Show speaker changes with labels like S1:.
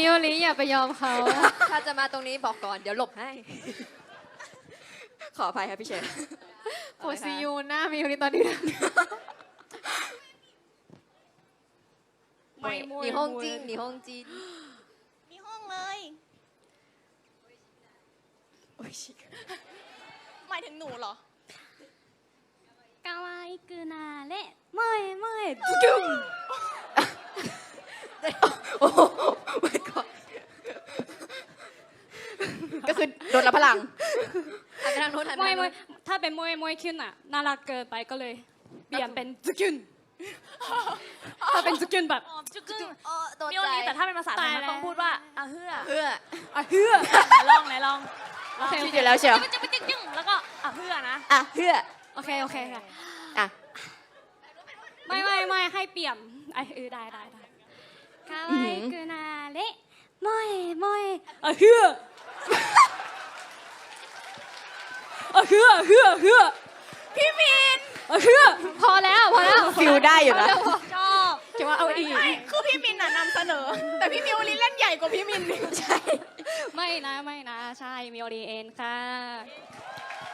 S1: มิโอริอย่าไปยอมเขา
S2: ถ้าจะมาตรงนี้บอกก่อนเดี๋ยวหลบให้ ขออภัยครับพี่เชน
S1: โคซิยูหน้ามิโอริตอนนี้
S2: หนีห้องจริงหนีห้องจริง
S3: มีห้องเลยหมายถึงหนูเหรอ
S4: かわいくなれ萌え萌えズキュン
S2: โอ้โหไม่ก่อนก็คือโดนรับพลังหันไปทางโน้นหันไป
S4: 萌え
S2: ทาง
S4: 萌
S2: โน้
S4: え
S2: น
S4: ถ้าเป็น萌え萌えขึ้นอ่ะน่ารักเกินไปก็เลยเปลี่ยนเป็นズキュンถ้าเป็นズキュンแบบ
S3: จุกึ่ง
S2: โดน
S3: มิโอ
S2: ใจ
S3: รีแต่ถ้าเป็นภาษาไทย
S4: ตาย
S3: มัน
S4: แล้ว
S3: ต้องพูดว่าอ่ะเฮือ
S2: เพื่อ
S4: อ่ะเฮือ
S3: ลองไหนลอง
S2: คิดอยู่แล้วเชียว
S3: จึ๊งจึ๊งจึ๊งแล้วก็อ่ะเฮือนะ
S2: อ่ะเพื่อ
S4: โอเคโอเคค่ะ
S2: อ่ะ
S4: ไม่ให้เปลี่ยนไอ้ได้かわいくなれ萌え萌えอ่ะเฮืออ่ะเฮือพี่มินอ่ะเฮือพอแล้ว
S2: ฟิลได้อยู่นะ
S3: ชอบ
S2: จะว่าเอาอีก
S3: ไม่คือพี่มินน่ะนำเสนอ แต่พี่มิโอรีเล่นใหญ่กว่าพี่มิน
S2: ใช่
S4: ไม่นะใช่มิโอรีเอ็นค่ะ